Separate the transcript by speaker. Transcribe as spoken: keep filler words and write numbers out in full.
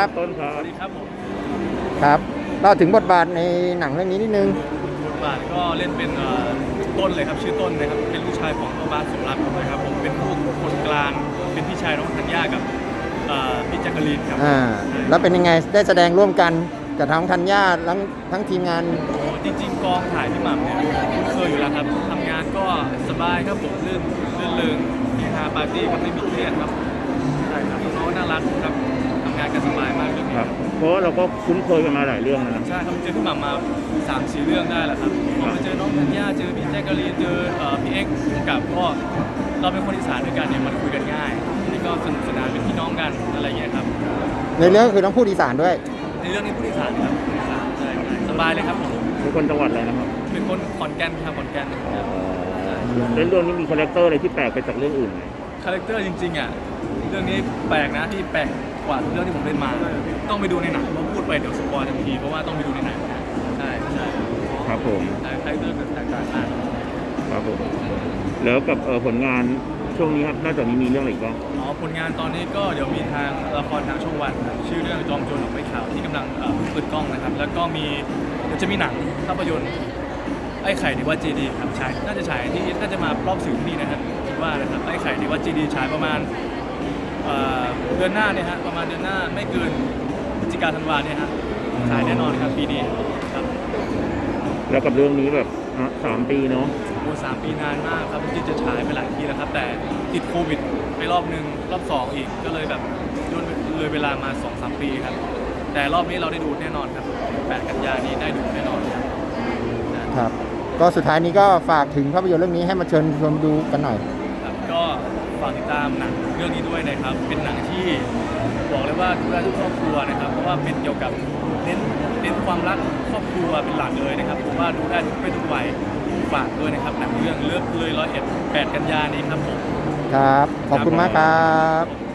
Speaker 1: ครับ
Speaker 2: ต้นครับ
Speaker 3: สวัสดีครับผม
Speaker 1: ครับเล่าถึงบทบาทในหนังเรื่องนี้นิดนึง
Speaker 3: บทบาทก็เล่นเป็นเอ่อต้นเลยครับชื่อต้นนะครับเป็นลูกชายของพ่อบ้านสมรักนะครับผมเป็นผู้คนกลางเป็นพี่ชายน้องธัญญากับเอ่อพี่แจักรีนครับ
Speaker 1: อ่าแล้วเป็นยังไงได้แสดงร่วมกันกับทั้งธัญญาทั้งทั้งทีมงาน
Speaker 3: โอ้จริงๆกองถ่ายพี่หม่ำเนี่ยคุ้นเคยอยู่แล้วครับทำงานก็สบายครับผมลื่นลื่นเริงเฮฮาปาร์ตี้ก็ไม่มีเครียดครับใช่ครับน้องๆน่ารักครับทำงานกันสบายมากเรื่องนี้
Speaker 2: ครับ เพราะว่าเราก็คุ้นเคยกันมาหลายเรื่องแล้วนะ
Speaker 3: ใช่ครับเจอพี่หม่ำมาสามสี่เรื่องได้แหละครับผมมาเจอน้องธัญญาเจอพี่แจ๊กกะลีนเจอเอ่อพี่เอ็กซ์กับก็เราเป็นคนอีสานด้วยกันเนี่ยมันคุยกันง่ายนี่ก็สนุกสนานเป็นพี่น้องกันอะไรเงี้ยครับ
Speaker 1: ในเรื่องคือต้องพูดอีสานด้วย
Speaker 3: ในเรื่องนี้ผู้อีสานครับผู้อีสานใช่ใช่สบายเลยครับผม
Speaker 2: เป็นคนจังหวัดอะไรนะครับ
Speaker 3: เป็นคนขอนแก่นครับขอนแก่น
Speaker 2: ในเรื่องนี้มีคาแรคเตอร์อะไรที่แปลกไปจากเรื่องอื่นไหม
Speaker 3: คาแรคเตอร์จริงๆอ่ะเรื่องนี้แปลกนะที่แปลกกว่าเรื่องที่ผมเล่นมา ต้องไปดูในหนังเพราะพูดไปเดี๋ยวสปอยทันทีเพราะว่าต้องไปดูในหนังใช่ใช่
Speaker 2: ครับผม
Speaker 3: คาแรคเตอร์แตกต่างมาก
Speaker 2: ครับผมแล้วกับเอ่อผลงานช่วงนี้ครับนอกจากนี้มีเรื่องอะไรอีกบ้าง
Speaker 3: อ๋อผลงานตอนนี้ก็เดี๋ยวมีทางละครทางช่องวันครับชื่อเรื่องจอมโจรหนองไม้ขาวที่กำลังเอ่อเปิดกล้องนะครับ แล้วก็มีเดี๋ยวจะมีหนังภาพยนตร์ไอ้ไข่ในวัดเจดีย์ครับฉายน่าจะฉายที่น่าจะมารอบสื่อที่นี่นะครับคิดว่านะครับไอ้ไข่ในวัดเจดีย์ฉายประมาณเอ่อเดือนหน้าเนี่ยฮะประมาณเดือนหน้าไม่เกินพฤศจิกาธันวาเนี่ยฮะฉายแน่นอนครับปีนี้ครับ
Speaker 2: แล้วกับเรื่องนี้แบบอ่ะสามปีเนาะ
Speaker 3: โอ้สามปีนานมากครับจริงๆจะฉายไปหลายทีแล้วครับ แต่ติดโควิดไปรอบหนึ่งรอบสองอีกก็เลยแบบย่นเลยเวลามา สองสาม ปีครับ แต่รอบนี้เราได้ดูแน่นอนครับแปดกันยานี้ได้ดูแน่นอนครับนะครับ
Speaker 1: ก็สุดท้ายนี้ก็ฝากถึงภาพยนตร์เรื่องนี้ให้มาเชิญชมดูกันหน่อย
Speaker 3: ครับก็ฝากติดตามหนังเรื่องนี้ด้วยนะครับ เป็นหนังที่บอกเลยว่าดูได้ทุกครอบครัวนะครับ เพราะว่าเป็นเกี่ยวกับเน้นเน้นความรักครอบครัวเป็นหลักเลยนะครับผมว่าดูได้ทุกเพศทุกวัยฝากด้วยนะครับหนังเรื่องเลิฟเลยร้อยเอ็ดแปดกันยานี้ครับผม
Speaker 1: ครับ ขอบคุณมากครับ